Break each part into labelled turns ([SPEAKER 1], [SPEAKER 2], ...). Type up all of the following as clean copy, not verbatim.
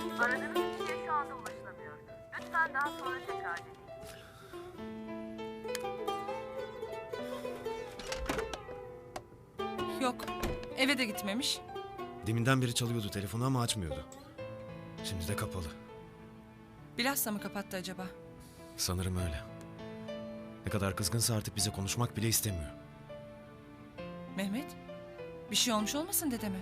[SPEAKER 1] Aradığınız kişiye şu anda ulaşılamıyor. Lütfen daha sonra tekrar deneyin.
[SPEAKER 2] Yok. Eve de gitmemiş.
[SPEAKER 3] Deminden beri çalıyordu telefonu ama açmıyordu. Şimdi de kapalı.
[SPEAKER 2] Bilhassa mı kapattı acaba?
[SPEAKER 3] Sanırım öyle. Ne kadar kızgınsa artık bize konuşmak bile istemiyor.
[SPEAKER 2] Mehmet, bir şey olmuş olmasın dedeme?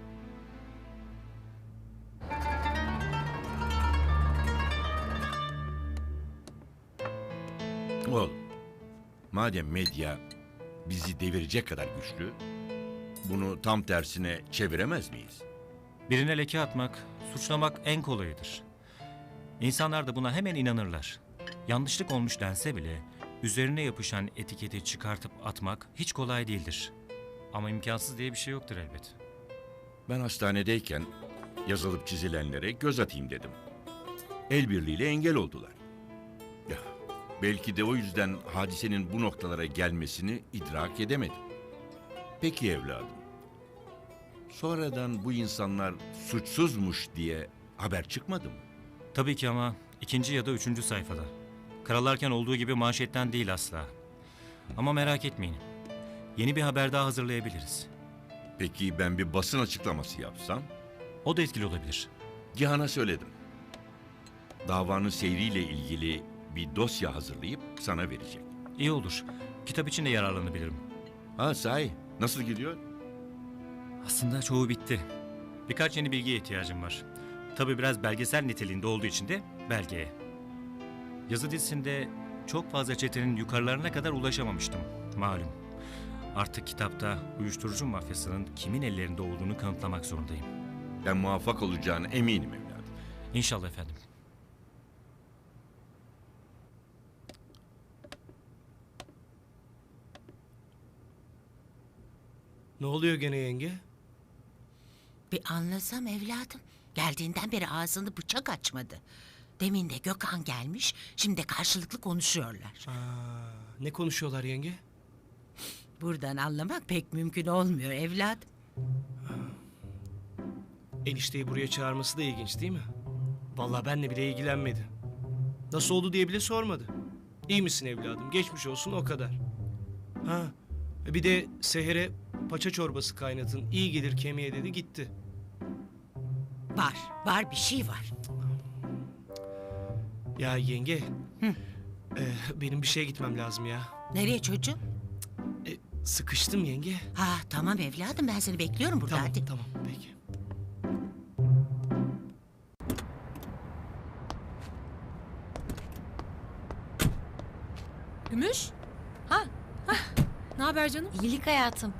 [SPEAKER 4] Oğlum, madem medya bizi devirecek kadar güçlü, bunu tam tersine çeviremez miyiz?
[SPEAKER 5] Birine leke atmak, suçlamak en kolayıdır. İnsanlar da buna hemen inanırlar. Yanlışlık olmuş dense bile üzerine yapışan etiketi çıkartıp atmak hiç kolay değildir. Ama imkansız diye bir şey yoktur elbet.
[SPEAKER 4] Ben hastanedeyken yazılıp çizilenlere göz atayım dedim. El birliğiyle engel oldular. Ya, belki de o yüzden hadisenin bu noktalara gelmesini idrak edemedim. Peki evladım. Sonradan bu insanlar suçsuzmuş diye haber çıkmadı mı?
[SPEAKER 5] Tabii ki ama ikinci ya da üçüncü sayfada. Karalarken olduğu gibi manşetten değil asla. Ama merak etmeyin. Yeni bir haber daha hazırlayabiliriz.
[SPEAKER 4] Peki ben bir basın açıklaması yapsam?
[SPEAKER 5] O da etkili olabilir.
[SPEAKER 4] Cihan'a söyledim. Davanın seyriyle ilgili bir dosya hazırlayıp sana verecek.
[SPEAKER 5] İyi olur. Kitap için de yararlanabilirim.
[SPEAKER 4] Ha sahi, nasıl gidiyor?
[SPEAKER 5] Aslında çoğu bitti. Birkaç yeni bilgiye ihtiyacım var. Tabii biraz belgesel niteliğinde olduğu için de belgeye. Yazı dizisinde çok fazla çetenin yukarılarına kadar ulaşamamıştım. Malum. Artık kitapta uyuşturucu mafyasının kimin ellerinde olduğunu kanıtlamak zorundayım.
[SPEAKER 4] Ben muvaffak olacağına eminim evladım.
[SPEAKER 5] İnşallah efendim.
[SPEAKER 6] Ne oluyor gene yenge?
[SPEAKER 7] Bir anlasam evladım. Geldiğinden beri ağzını bıçak açmadı. Demin de Gökhan gelmiş, şimdi de karşılıklı konuşuyorlar.
[SPEAKER 6] Ne konuşuyorlar yenge?
[SPEAKER 7] Buradan anlamak pek mümkün olmuyor evladım.
[SPEAKER 6] Enişteyi buraya çağırması da ilginç değil mi? Vallahi benle bile ilgilenmedi. Nasıl oldu diye bile sormadı. İyi misin evladım? Geçmiş olsun o kadar. Ha, bir de Seher'e paça çorbası kaynatın. İyi gelir kemiğe dedi gitti.
[SPEAKER 7] Var bir şey var.
[SPEAKER 6] Ya yenge. Benim bir şeye gitmem lazım ya.
[SPEAKER 7] Nereye çocuğum?
[SPEAKER 6] Sıkıştım yenge.
[SPEAKER 7] Ha tamam evladım, ben seni bekliyorum burada,
[SPEAKER 6] Tamam
[SPEAKER 7] hadi.
[SPEAKER 6] tamam peki.
[SPEAKER 8] Gümüş? Ha? Ne haber canım?
[SPEAKER 9] İyilik hayatım.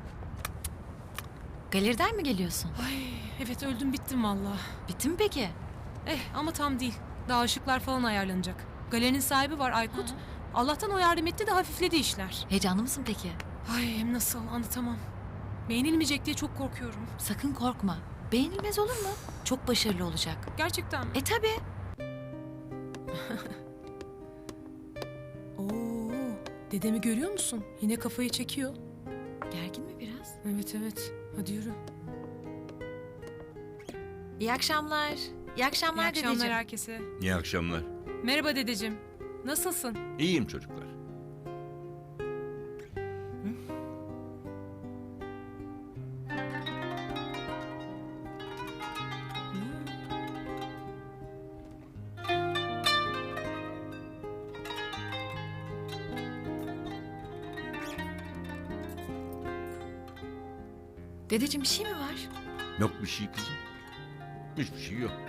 [SPEAKER 9] Galeriden mi geliyorsun?
[SPEAKER 8] Ay evet, öldüm bittim valla.
[SPEAKER 9] Bitti mi peki?
[SPEAKER 8] Ama tam değil. Daha ışıklar falan ayarlanacak. Galerinin sahibi var, Aykut. Allah'tan o yardım etti de hafifledi işler.
[SPEAKER 9] Heyecanlı mısın peki?
[SPEAKER 8] Ay hem nasıl, anlatamam. Beğenilmeyecek diye çok korkuyorum.
[SPEAKER 9] Sakın korkma. Beğenilmez olur mu? Çok başarılı olacak.
[SPEAKER 8] Gerçekten mi?
[SPEAKER 9] Tabii.
[SPEAKER 8] Oo, dedemi görüyor musun? Yine kafayı çekiyor.
[SPEAKER 9] Gergin mi biraz?
[SPEAKER 8] Evet. Hadi yürü.
[SPEAKER 9] İyi akşamlar. İyi akşamlar
[SPEAKER 8] İyi akşamlar
[SPEAKER 9] dedeciğim.
[SPEAKER 8] herkese.
[SPEAKER 4] İyi akşamlar.
[SPEAKER 8] Merhaba dedeciğim. Nasılsın?
[SPEAKER 4] İyiyim çocuklar.
[SPEAKER 9] Dedeciğim bir şey mi var?
[SPEAKER 4] Yok bir şey kızım. Hiçbir şey yok.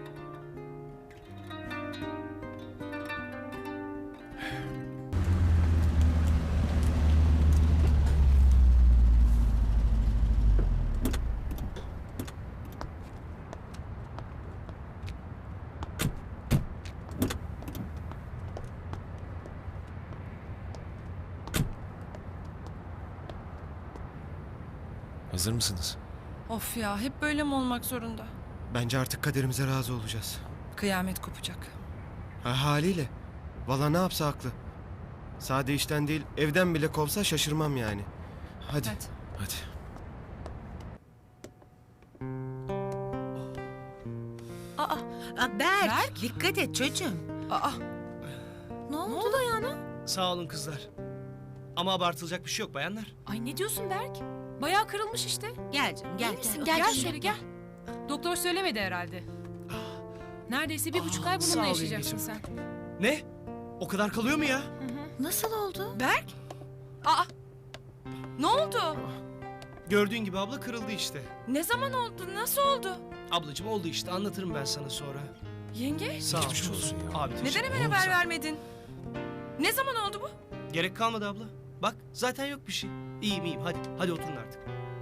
[SPEAKER 3] Hazır mısınız?
[SPEAKER 2] Of ya, hep böyle mi olmak zorunda?
[SPEAKER 3] Bence artık kaderimize razı olacağız.
[SPEAKER 2] Kıyamet kopacak.
[SPEAKER 3] Ha, haliyle. Vallahi ne yapsa haklı. Sade işten değil, evden bile kovsa şaşırmam yani. Hadi.
[SPEAKER 2] Hadi.
[SPEAKER 8] Aa,
[SPEAKER 7] Berk, dikkat et çocuğum.
[SPEAKER 8] aa.
[SPEAKER 9] Ne oldu?
[SPEAKER 8] Ne oldu ayağına?
[SPEAKER 6] Sağ olun kızlar. Ama abartılacak bir şey yok bayanlar.
[SPEAKER 8] Ay ne diyorsun Berk? Bayağı kırılmış işte.
[SPEAKER 7] Gel canım gel.
[SPEAKER 9] İyi misin?
[SPEAKER 8] Gel,
[SPEAKER 9] Gel
[SPEAKER 8] şöyle gel. Doktor söylemedi herhalde. Neredeyse 1,5 ay
[SPEAKER 6] sağ
[SPEAKER 8] bununla
[SPEAKER 6] ol
[SPEAKER 8] yaşayacaksın sen.
[SPEAKER 6] yengeciğim. Ne? O kadar kalıyor mu ya?
[SPEAKER 9] Nasıl oldu?
[SPEAKER 8] Berk? Aa! Ne oldu?
[SPEAKER 6] Gördüğün gibi abla kırıldı işte.
[SPEAKER 8] Ne zaman oldu? Nasıl oldu?
[SPEAKER 6] Ablacığım oldu işte, anlatırım ben sana sonra.
[SPEAKER 8] Yenge?
[SPEAKER 6] Sağ ol. Olsun ya. Abi
[SPEAKER 8] Neden
[SPEAKER 6] teşekkür
[SPEAKER 8] hemen
[SPEAKER 6] ederim.
[SPEAKER 8] haber vermedin? Ne zaman oldu bu?
[SPEAKER 6] Gerek kalmadı abla. Bak zaten yok bir şey. İyiyim iyiyim, hadi oturun artık.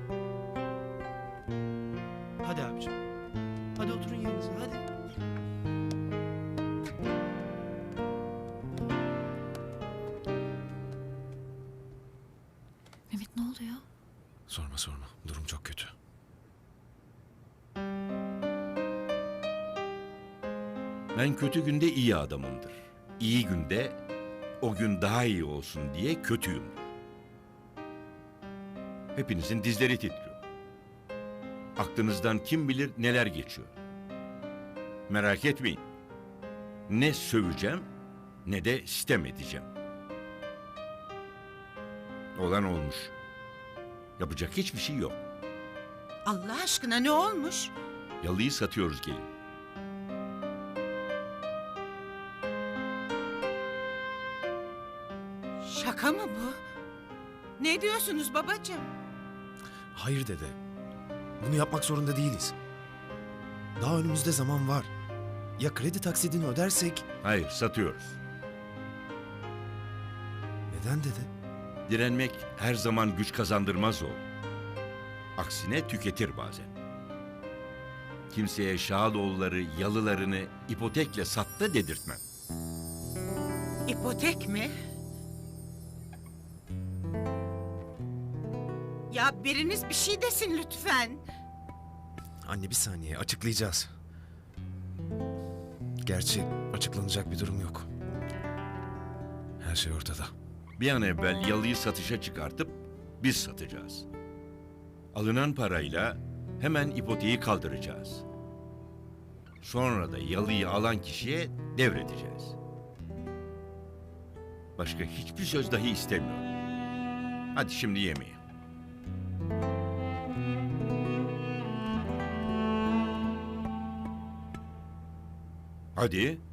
[SPEAKER 6] Hadi abicim. Hadi oturun yerinize hadi.
[SPEAKER 9] Mehmet ne oluyor?
[SPEAKER 3] Sorma. Durum çok kötü.
[SPEAKER 4] Ben kötü günde iyi adamımdır. İyi günde o gün daha iyi olsun diye kötüyüm. Hepinizin dizleri titriyor. Aklınızdan kim bilir neler geçiyor. Merak etmeyin. Ne söveceğim ne de sitem edeceğim. Olan olmuş. Yapacak hiçbir şey yok.
[SPEAKER 7] Allah aşkına ne olmuş?
[SPEAKER 4] Yalıyı satıyoruz gelin.
[SPEAKER 7] Şaka mı bu? Ne diyorsunuz babacığım?
[SPEAKER 10] Hayır dede. Bunu yapmak zorunda değiliz. Daha önümüzde zaman var. Ya kredi taksidini ödersek?
[SPEAKER 4] Hayır, satıyoruz.
[SPEAKER 10] Neden dede?
[SPEAKER 4] Direnmek her zaman güç kazandırmaz oğlum. Aksine tüketir bazen. Kimseye Şahadoğulları yalılarını ipotekle sattı dedirtmem.
[SPEAKER 7] İpotek mi? Ya biriniz bir şey desin lütfen.
[SPEAKER 10] Anne bir saniye, açıklayacağız. Gerçi açıklanacak bir durum yok. Her şey ortada.
[SPEAKER 4] Bir an evvel yalıyı satışa çıkartıp biz satacağız. Alınan parayla hemen ipoteği kaldıracağız. Sonra da yalıyı alan kişiye devredeceğiz. Başka hiçbir söz dahi istemiyorum. Hadi şimdi yemeğe. Hadi.